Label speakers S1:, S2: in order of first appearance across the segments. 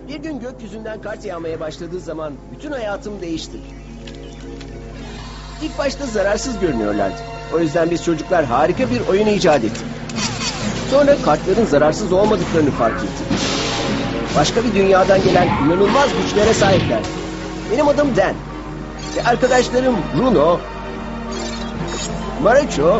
S1: Bir gün gökyüzünden kar yağmaya başladığı zaman bütün hayatım değişti. İlk başta zararsız görünüyorlardı. O yüzden biz çocuklar harika bir oyun icat ettik. Sonra kartların zararsız olmadıklarını fark ettik. Başka bir dünyadan gelen inanılmaz güçlere sahipler. Benim adım Dan. Ve arkadaşlarım Bruno, Marucho,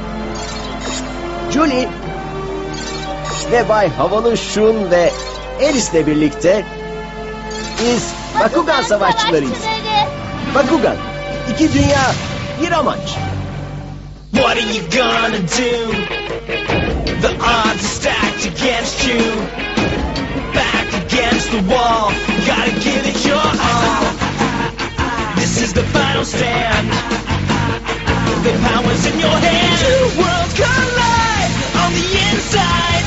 S1: Julie ve Bay Havalı Şun ve Alice'le birlikte biz Bakugan Savaşçılarıyız. Bakugan, iki dünya, bir amaç.
S2: What are you gonna do? The odds are stacked against you. Back against the wall, gotta give it your all. This is the final stand. The power's in your hand. Two worlds collide on the inside.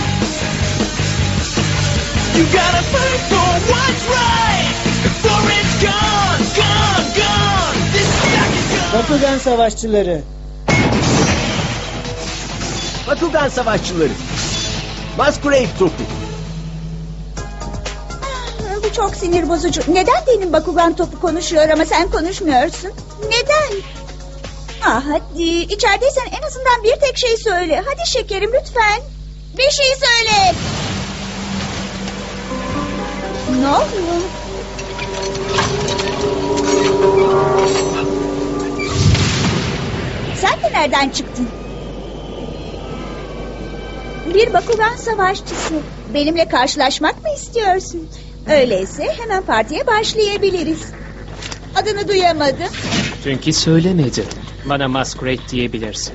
S2: You gotta fight for what's right before it's gone, gone, gone. This stack is gone.
S3: Bakugan Savaşçıları.
S1: Bakugan Savaşçıları. Masquerade topu.
S4: Bu çok sinir bozucu. Neden benim Bakugan topu konuşuyor ama sen konuşmuyorsun? Neden? Hadi içerideysen en azından bir tek şey söyle. Hadi şekerim lütfen. Bir şey söyle. Ne oluyor? Sen de nereden çıktın? Bir Bakugan savaşçısı. Benimle karşılaşmak mı istiyorsun? Öyleyse hemen partiye başlayabiliriz. Adını duyamadım.
S5: Çünkü söylemedi. Bana Masquerade diyebilirsin.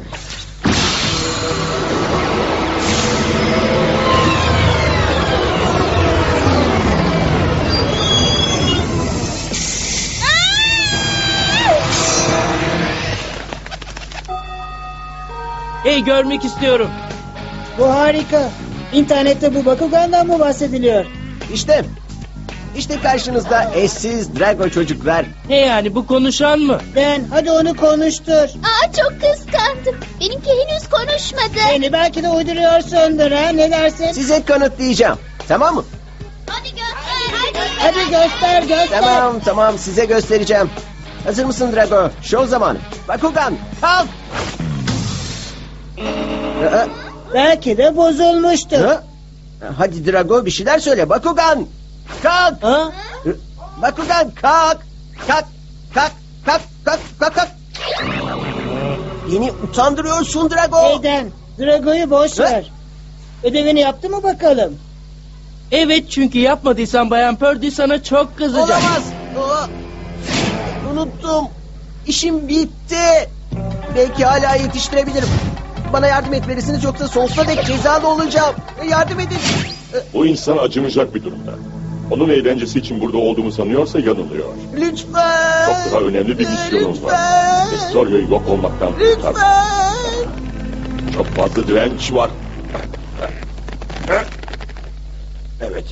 S5: Hey, görmek istiyorum.
S3: Bu harika. İnternette bu Bakugan'dan mı bahsediliyor?
S1: İşte karşınızda eşsiz Drago çocuklar.
S5: Ne yani, bu konuşan mı?
S3: Dan hadi onu konuştur.
S6: Aa, çok kıskandım. Benimki henüz konuşmadı.
S3: Beni belki de uyduruyorsundur ha, ne dersin?
S1: Size kanıtlayacağım. Tamam mı?
S6: Hadi göster.
S3: Hadi göster.
S1: Tamam size göstereceğim. Hazır mısın Drago? Show zamanı. Bakugan kalk.
S3: Belki de bozulmuştur.
S1: Ha? Hadi Drago bir şeyler söyle. Bakugan kalk.
S3: Ha?
S1: Bakugan kalk. Kalk. Beni utandırıyorsun Drago.
S3: Hey Dan, Drago'yu boş
S1: Ha?
S3: ver. Ödevini yaptı mı bakalım?
S5: Evet, çünkü yapmadıysan Bayan Purdy sana çok kızacak.
S1: Olamaz. Unuttum. İşim bitti. Belki hala yetiştirebilirim. Bana yardım etmelisiniz yoksa sonsuza dek cezalı olacağım. Yardım edin.
S7: Bu insan acımayacak bir durumda. Onun eğlencesi için burada olduğumu sanıyorsa yanılıyor.
S1: Lütfen.
S7: Çok daha önemli bir misyonum var. Estorio'yu yok olmaktan kurtar.
S1: Lütfen.
S7: Çok fazla direnç var. Evet.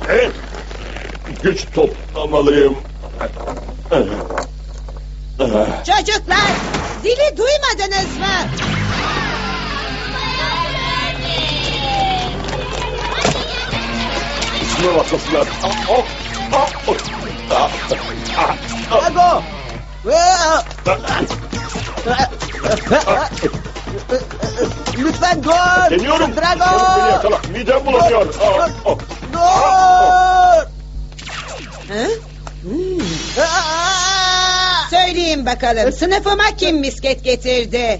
S7: Güç toplamalıyım.
S8: Çocuklar, zili duymadınız mı?
S7: Üstüme bakmasınlar.
S1: Drago. Lütfen dur.
S7: Deniyorum.
S1: Drago.
S7: Çabuk beni yakala. Midem bulanıyor.
S1: Dur.
S8: Söyleyin bakalım, sınıfıma kim misket getirdi?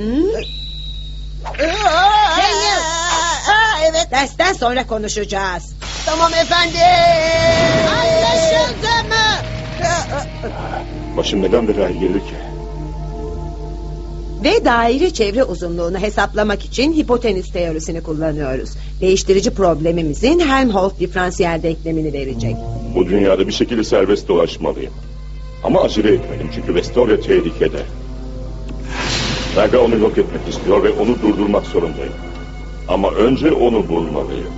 S8: Daniel. Evet. Dersten sonra konuşacağız.
S1: Tamam efendim.
S8: Anlaşıldı mı?
S7: Başım neden belaya girdi ki?
S8: Ve daire çevre uzunluğunu hesaplamak için hipotenüs teorisini kullanıyoruz. Değiştirici problemimizin Helmholtz diferansiyel denklemini verecek.
S7: Bu dünyada bir şekilde serbest dolaşmalıyım. Ama acele etmeliyim çünkü Vestoria tehlikede. Saga onu yok etmek istiyor ve onu durdurmak zorundayım. Ama önce onu bulmalıyım.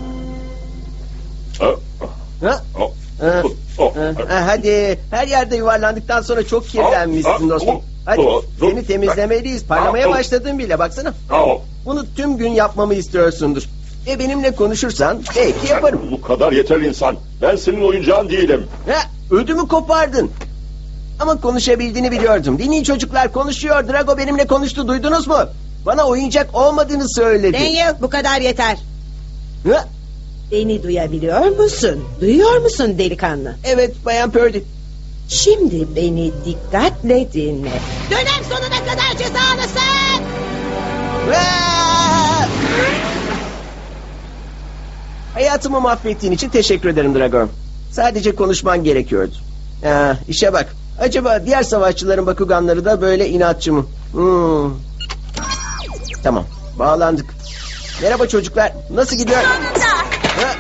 S1: Hadi her yerde yuvarlandıktan sonra çok kirlenmişsin dostum. Hadi seni temizlemeliyiz. Parlamaya başladın bile baksana. Bunu tüm gün yapmamı istiyorsundur. Benimle konuşursan belki yaparım.
S7: Bu kadar yeter insan. Ben senin oyuncağın değilim.
S1: Ödümü kopardın. Ama konuşabildiğini biliyordum. Dinleyin çocuklar, konuşuyor. Drago benimle konuştu, duydunuz mu? Bana oyuncak olmadığını söyledi.
S8: Daniel, bu kadar yeter.
S1: Ha?
S8: Beni duyabiliyor musun? Duyuyor musun delikanlı?
S1: Evet Bayan Purdy.
S8: Şimdi beni dikkatle dinle. Dönem sonuna kadar cezalısın.
S1: Aa! Hayatımı mahvettiğin için teşekkür ederim Drago. Sadece konuşman gerekiyordu. İşe bak. Acaba diğer savaşçıların Bakuganları da böyle inatçı mı? Tamam. Bağlandık. Merhaba çocuklar. Nasıl gidiyor?
S4: Sonunda.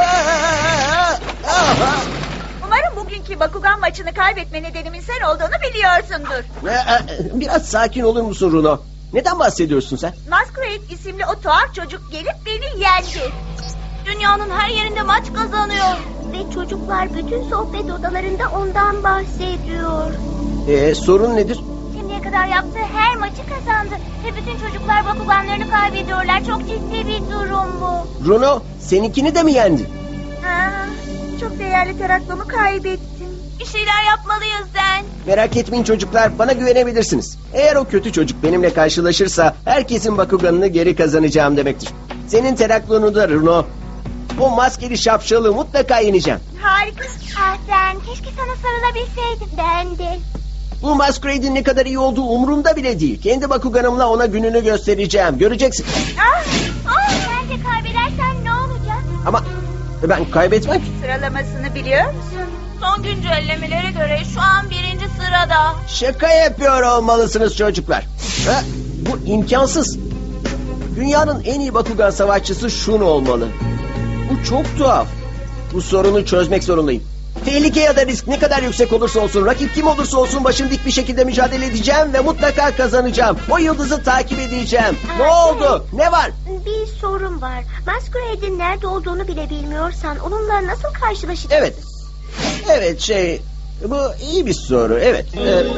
S1: Aa!
S4: Umarım bugünkü Bakugan maçını kaybetme nedenimin sen olduğunu biliyorsundur.
S1: Biraz sakin olur musun Runo? Neden bahsediyorsun sen?
S4: Masquerade isimli o tuhaf çocuk gelip beni yendi. Dünyanın her yerinde maç kazanıyor.
S6: Ve çocuklar bütün sohbet odalarında ondan bahsediyor.
S1: Sorun nedir?
S6: Şimdiye kadar yaptığı her maçı kazandı. Ve bütün çocuklar Bakuganlarını kaybediyorlar. Çok ciddi bir durum bu.
S1: Runo, seninkini de mi yendi?
S4: Çok değerli teraklomu kaybettim. Bir şeyler yapmalıyız Den.
S1: Merak etmeyin çocuklar, bana güvenebilirsiniz. Eğer o kötü çocuk benimle karşılaşırsa herkesin Bakuganını geri kazanacağım demektir. Senin teraklonu da Runo. O maskeli şapşalı mutlaka yeneceğim.
S4: Harika.
S6: Ah Den, keşke sana sarılabilseydim. Ben de.
S1: Bu Masquerade'in ne kadar iyi olduğu umurumda bile değil. Kendi Bakuganımla ona gününü göstereceğim. Göreceksin.
S6: Sen de kaybedersen ne olacak?
S1: Ama ben kaybetmem ki.
S4: Sıralamasını biliyor musun? Son güncellemelere göre şu an 1. sırada.
S1: Şaka yapıyor olmalısınız çocuklar. Bu imkansız. Dünyanın en iyi Bakugan savaşçısı Shun olmalı. Bu çok tuhaf. Bu sorunu çözmek zorundayım. Tehlike ya da risk ne kadar yüksek olursa olsun, rakip kim olursa olsun başım dik bir şekilde mücadele edeceğim ve mutlaka kazanacağım. O yıldızı takip edeceğim. Ne oldu? Ne var?
S6: Bir sorun var. Masquerade'in nerede olduğunu bile bilmiyorsan onunla nasıl karşılaşacaksın?
S1: Evet. Evet bu iyi bir soru. Evet.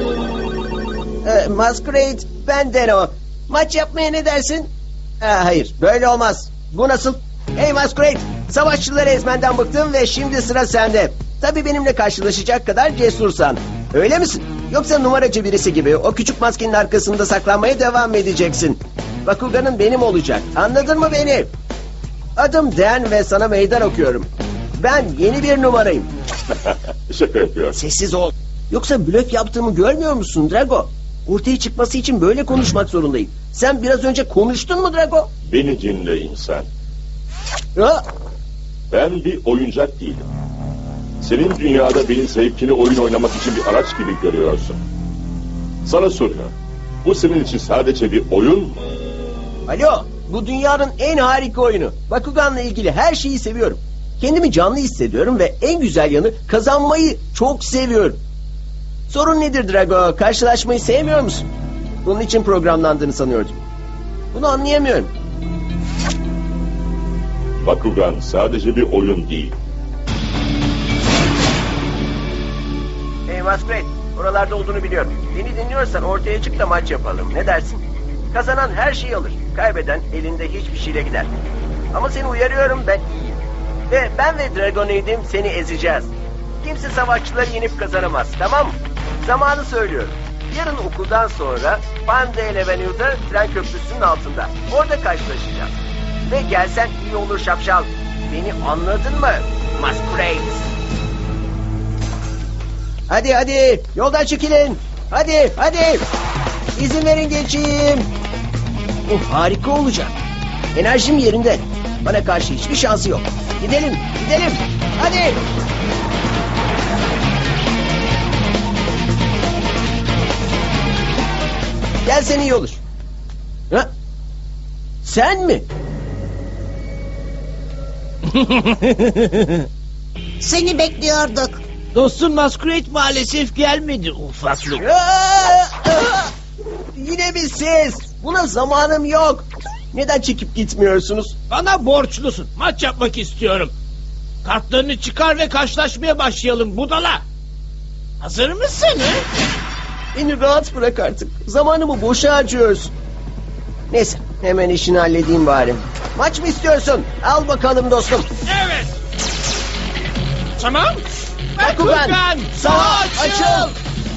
S1: Masquerade benden o. Maç yapmaya ne dersin? Hayır böyle olmaz. Bu nasıl? Hey Masquerade, savaşçıları ezmenden bıktım ve şimdi sıra sende. Tabii benimle karşılaşacak kadar cesursan. Öyle misin? Yoksa numaracı birisi gibi o küçük maskenin arkasında saklanmaya devam edeceksin. Bakugan'ın benim olacak. Anladın mı beni? Adım Dan ve sana meydan okuyorum. Ben yeni bir numarayım.
S7: Şaka yapıyor.
S1: Sessiz ol. Yoksa blöf yaptığımı görmüyor musun Drago? Ortaya çıkması için böyle konuşmak zorundayım. Sen biraz önce konuştun mu Drago?
S7: Beni dinle insan.
S1: Ha?
S7: Ben bir oyuncak değilim. Senin dünyada benim zevkini oyun oynamak için bir araç gibi görüyorsun. Sana soruyorum. Bu senin için sadece bir oyun mu?
S1: Alo, bu dünyanın en harika oyunu. Bakugan'la ilgili her şeyi seviyorum. Kendimi canlı hissediyorum ve en güzel yanı kazanmayı çok seviyorum. Sorun nedir Drago? Karşılaşmayı sevmiyor musun? Bunun için programlandığını sanıyordum. Bunu anlayamıyorum.
S7: Bakugan sadece bir oyun değil.
S1: Hey Masquerade, oralarda olduğunu biliyorum. Beni dinliyorsan ortaya çık da maç yapalım. Ne dersin? Kazanan her şeyi alır. Kaybeden elinde hiçbir şeyle gider. Ama seni uyarıyorum, ben iyiyim. Ve ben ve Dragonade'im seni ezeceğiz. Kimse savaşçıları yenip kazanamaz, tamam mı? Zamanı söylüyorum. Yarın okuldan sonra Pandale Avenue'da tren köprüsünün altında. Orada karşılaşacağız. Ve gelsen iyi olur şapşal. Beni anladın mı? Masquerade. Hadi yoldan çekilin. Hadi. İzin verin geçeyim. Bu harika olacak. Enerjim yerinde. Bana karşı hiçbir şansı yok. Gidelim. Hadi. Gelsen iyi olur. Ha? Sen mi?
S3: Seni bekliyorduk.
S5: Dostum Masquerade maalesef gelmedi ufaklık.
S1: Yine mi siz? Buna zamanım yok. Neden çekip gitmiyorsunuz?
S5: Bana borçlusun. Maç yapmak istiyorum. Kartlarını çıkar ve karşılaşmaya başlayalım budala. Hazır mısın? He?
S1: Beni rahat bırak artık. Zamanımı boşa harcıyorsun. Neyse hemen işini halledeyim bari. Maç mı istiyorsun? Al bakalım dostum.
S5: Evet. Tamam.
S1: Bakugan, savaş açıl.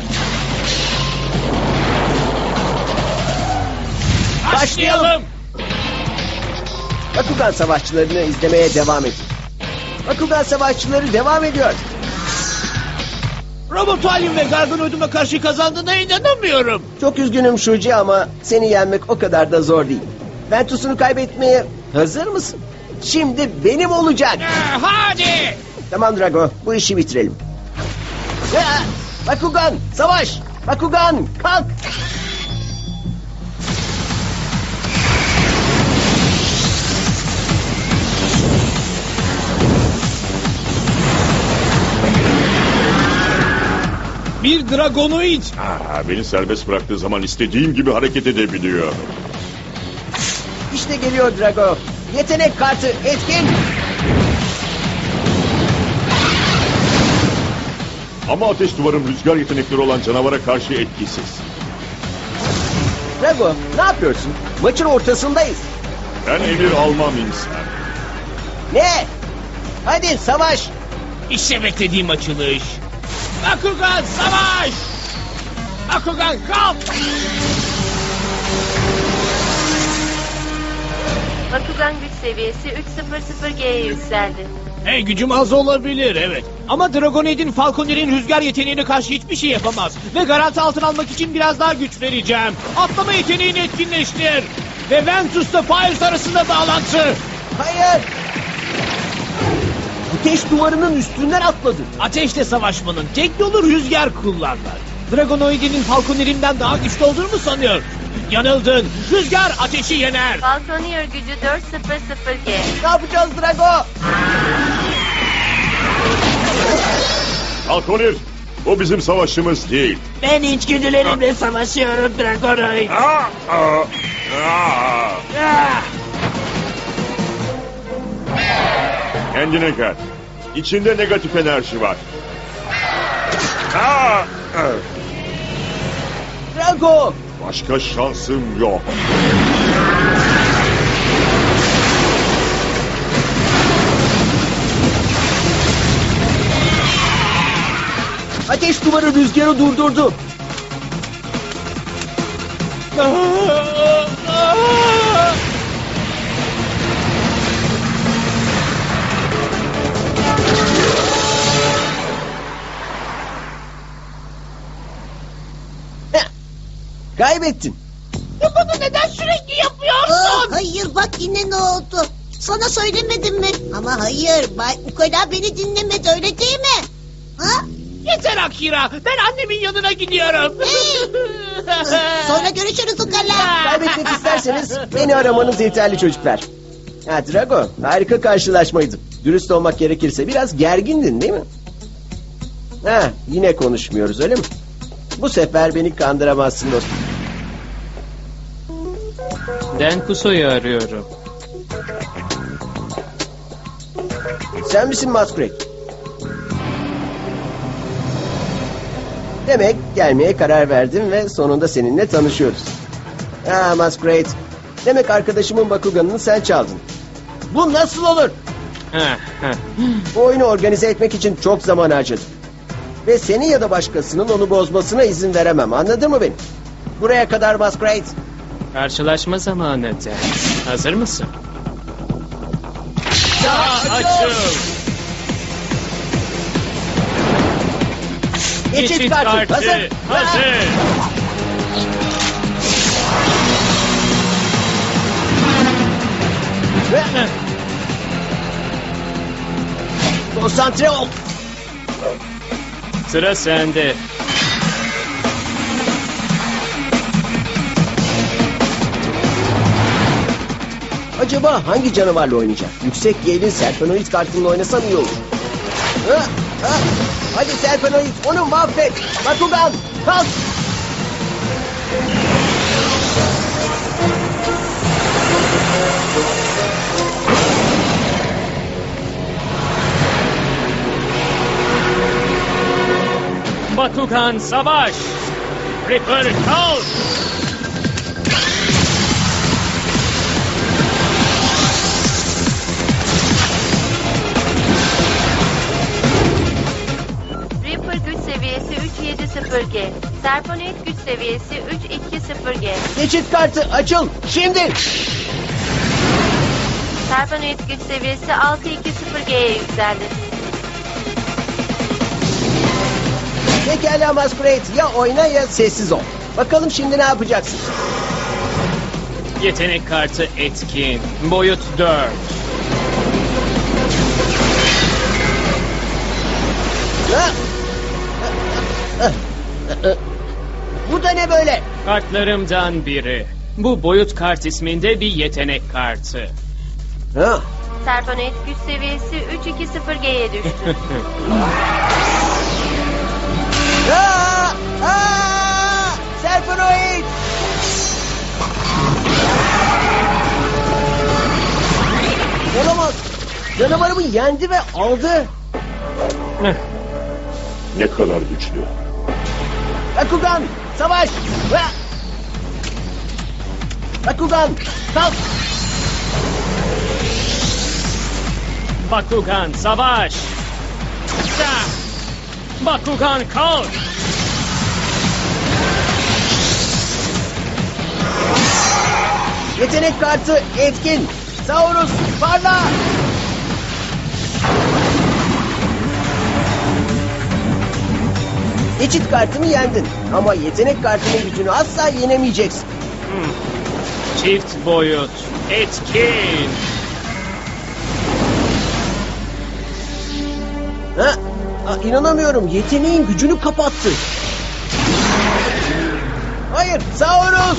S5: Başlayalım.
S1: Bakugan savaşçılarını izlemeye devam edin. Bakugan savaşçıları devam ediyor.
S5: Robotalyum ve Gargonoid'uma karşı kazandığına inanamıyorum.
S1: Çok üzgünüm Shuji ama seni yenmek o kadar da zor değil. Ventus'unu kaybetmeye hazır mısın? Şimdi benim olacak.
S5: Hadi.
S1: Tamam Drago, bu işi bitirelim. Bakugan, savaş! Bakugan, kalk!
S5: Bir Dragonoid.
S7: Beni serbest bıraktığı zaman istediğim gibi hareket edebiliyor.
S1: İşte geliyor Drago. Yetenek kartı etkin.
S7: Ama ateş duvarım rüzgar yetenekleri olan canavara karşı etkisiz.
S1: Drago, ne yapıyorsun? Maçın ortasındayız.
S7: Ben emir almam insan.
S1: Ne? Hadi savaş!
S5: İşte beklediğim açılış. Bakugan savaş. Bakugan kalk.
S9: Bakugan güç seviyesi 300G'ye yükseldi.
S5: Hey, gücüm az olabilir evet. Ama Dragonoid'in Falconer'in rüzgar yeteneğine karşı hiçbir şey yapamaz. Ve garanti altına almak için biraz daha güç vereceğim. Atlama yeteneğini etkinleştir. Ve Ventus'la Fires arasında bağlantı.
S1: Hayır! Ateş duvarının üstünden atladı.
S5: Ateşle savaşmanın tek yolu rüzgar kullanmak. Dragonoid'in Falconer'inden daha güçlü olduğunu mu sanıyor? Yanıldın. Rüzgar ateşi yener.
S9: Falconer gücü 400G.
S1: Ne yapacağız Drago?
S7: Falconer, bu bizim savaşımız değil.
S5: Ben içgüdülerimle savaşıyorum Dragonoid.
S7: Kendine gel. İçinde negatif enerji var.
S1: Drago!
S7: Başka şansım yok.
S1: Ateş duvarı rüzgarı durdurdu. Heh, kaybettin.
S5: Bunu neden sürekli yapıyorsun?
S10: Hayır bak yine ne oldu? Sana söylemedim mi? Ama hayır Bay Ukala beni dinlemedi öyle değil mi? Ha?
S5: Yeter Akira. Ben annemin yanına gidiyorum.
S10: Sonra görüşürüz Ukala.
S1: Kaybetmek isterseniz beni aramanız yeterli çocuklar. Ha Drago, harika karşılaşmaydı. Dürüst olmak gerekirse biraz gergindin değil mi? Ha, yine konuşmuyoruz öyle mi? Bu sefer beni kandıramazsın dostum.
S11: Denkuso'yu arıyorum.
S1: Sen misin Masquerade? Demek gelmeye karar verdim ve sonunda seninle tanışıyoruz. Ha Masquerade. Demek arkadaşımın Bakugan'ını sen çaldın. Bu nasıl olur? Bu oyunu organize etmek için çok zaman harcadım. Ve seni ya da başkasının onu bozmasına izin veremem. Anladın mı beni? Buraya kadar Masquerade.
S11: Karşılaşma zamanı de. Hazır mısın?
S5: Açıl.
S1: Geçit kartı. Hazır.
S5: Hazır.
S1: Konsantre ol.
S11: Sıra sende.
S1: Acaba hangi canavarla oynayacak? Yüksek yeğenin Serpenoid kartıyla oynasam iyi olur. Ha, ha. Hadi Serpenoid onu mahvet. Bakugan kalk.
S11: Bakugan savaş.
S5: Ripper kalk.
S9: 320G. Serponoid güç seviyesi 320G.
S1: Geçit kartı açıl. Şimdi.
S9: Serponoid güç seviyesi 620G'ye yükseldi.
S1: Pekala Masquerade. Ya oyna ya sessiz ol. Bakalım şimdi ne yapacaksın?
S11: Yetenek kartı etkin. Boyut 4.
S1: Ha? Bu da ne böyle?
S11: Kartlarımdan biri. Bu boyut kart isminde bir yetenek kartı.
S1: Ha?
S9: Serponoid güç seviyesi 320G'ye düştü.
S1: Aa! Aa! Serpenoid! Olamaz. Canavarımı yendi ve aldı.
S7: Ne kadar güçlü.
S1: Bakugan, savaş! Ha! Bakugan, kalk!
S11: Bakugan savaş. Da! Bakugan kalk.
S1: Yetenek kartı etkin. Saurus, parla! Geçit kartımı yendin. Ama yetenek kartının gücünü asla yenemeyeceksin.
S11: Çift boyut. Etkin.
S1: Ha? İnanamıyorum. Yeteneğin gücünü kapattı. Hayır, Saurus!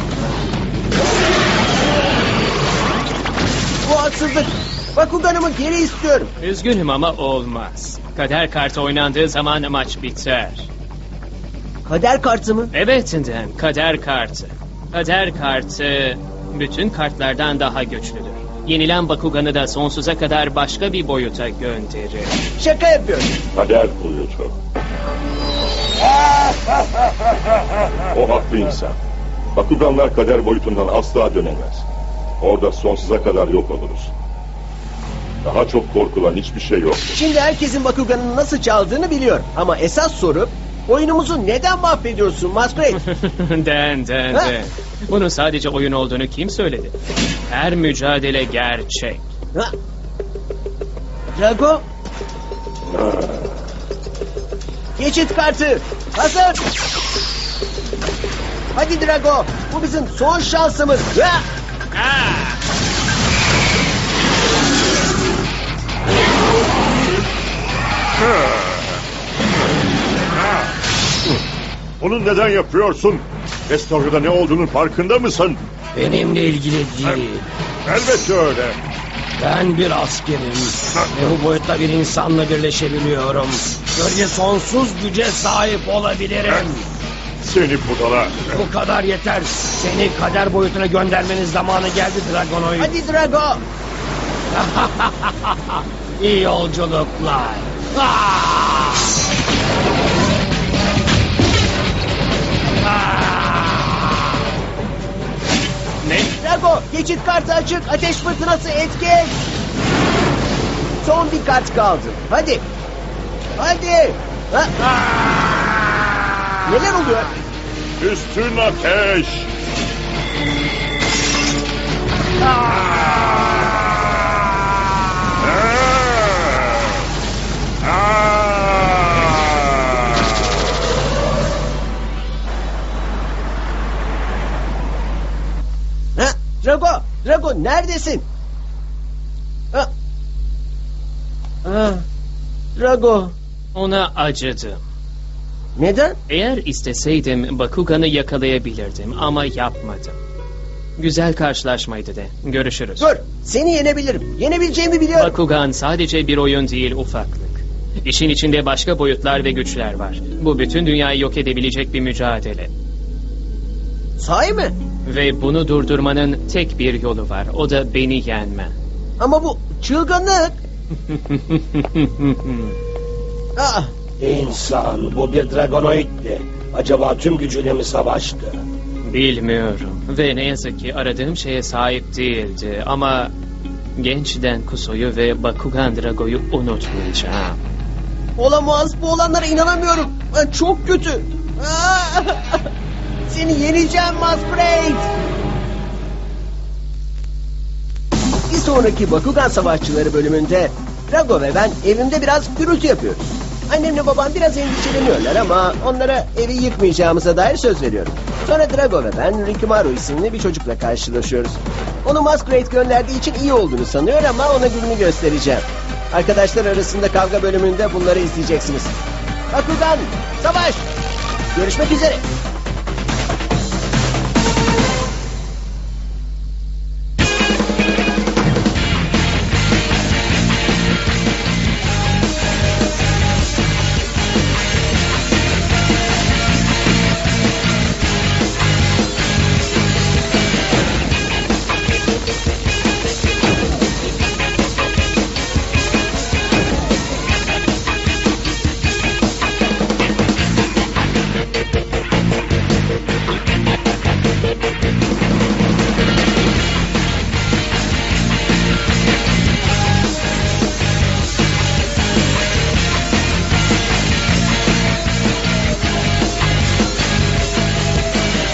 S1: Bu haksızlık. Bakuganımı geri istiyorum.
S11: Üzgünüm ama olmaz. Kader kartı oynandığı zaman maç biter.
S1: Kader kartı mı?
S11: Evet Dan, kader kartı. Kader kartı bütün kartlardan daha güçlüdür. Yenilen Bakugan'ı da sonsuza kadar başka bir boyuta gönderir.
S1: Şaka yapıyorum.
S7: Kader boyutu. O haklı insan. Bakuganlar kader boyutundan asla dönemez. Orada sonsuza kadar yok oluruz. Daha çok korkulan hiçbir şey yok.
S1: Şimdi herkesin Bakugan'ın nasıl çaldığını biliyor. Ama esas soru, oyunumuzu neden mahvediyorsun Masquerade?
S11: Dan. Bunun sadece oyun olduğunu kim söyledi? Her mücadele gerçek.
S1: Ha? Drago? Geçit kartı. Hazır. Hadi Drago. Bu bizim son şansımız. Ha?
S7: Bunu neden yapıyorsun? Restorada ne olduğunun farkında mısın?
S12: Benimle ilgili değil.
S7: Elbette öyle.
S12: Ben bir askerim ve bu boyutta bir insanla birleşebiliyorum. Böylece sonsuz güce sahip olabilirim.
S7: Seni budala.
S12: Bu kadar yeter. Seni kader boyutuna göndermenin zamanı geldi Dragonoid.
S1: Hadi Drago.
S12: İyi yolculuklar. Ah!
S11: Ne?
S1: Drago, geçit kartı açık. Ateş fırtınası etkin. Son bir kart kaldı. Hadi. Hadi. Ha? Neler oluyor?
S7: Üstün ateş.
S1: Ha? Drago neredesin? Ha? Ha? Drago.
S11: Ona acıdım.
S1: Neden?
S11: Eğer isteseydim Bakugan'ı yakalayabilirdim ama yapmadım. Güzel karşılaşmaydı de. Görüşürüz.
S1: Dur. Seni yenebilirim. Yenebileceğimi biliyorum.
S11: Bakugan sadece bir oyun değil, ufaklık. İşin içinde başka boyutlar ve güçler var. Bu bütün dünyayı yok edebilecek bir mücadele.
S1: Sahi mi?
S11: Ve bunu durdurmanın tek bir yolu var. O da beni yenmen.
S1: Ama bu çılgınlık. Aa,
S12: İnsan, bu bir Dragonoid'di. Acaba tüm gücüyle mi savaştı?
S11: Bilmiyorum. Ve ne yazık ki aradığım şeye sahip değildi. Ama gençten Kuso'yu ve Bakugan Drago'yu unutmayacağım.
S1: olamaz. Bu olanlara inanamıyorum. Çok kötü. Seni yeneceğim Masquerade. Bir sonraki Bakugan Savaşçıları bölümünde Drago ve ben evimde biraz gürültü yapıyoruz. Annemle babam biraz endişeleniyorlar ama onlara evi yıkmayacağımıza dair söz veriyorum. Sonra Drago ve ben Rikimaru isimli bir çocukla karşılaşıyoruz. Onu Masquerade gönderdiği için iyi olduğunu sanıyor ama ona gününü göstereceğim. Arkadaşlar arasında kavga bölümünde bunları izleyeceksiniz. Bakugan, savaş! Görüşmek üzere.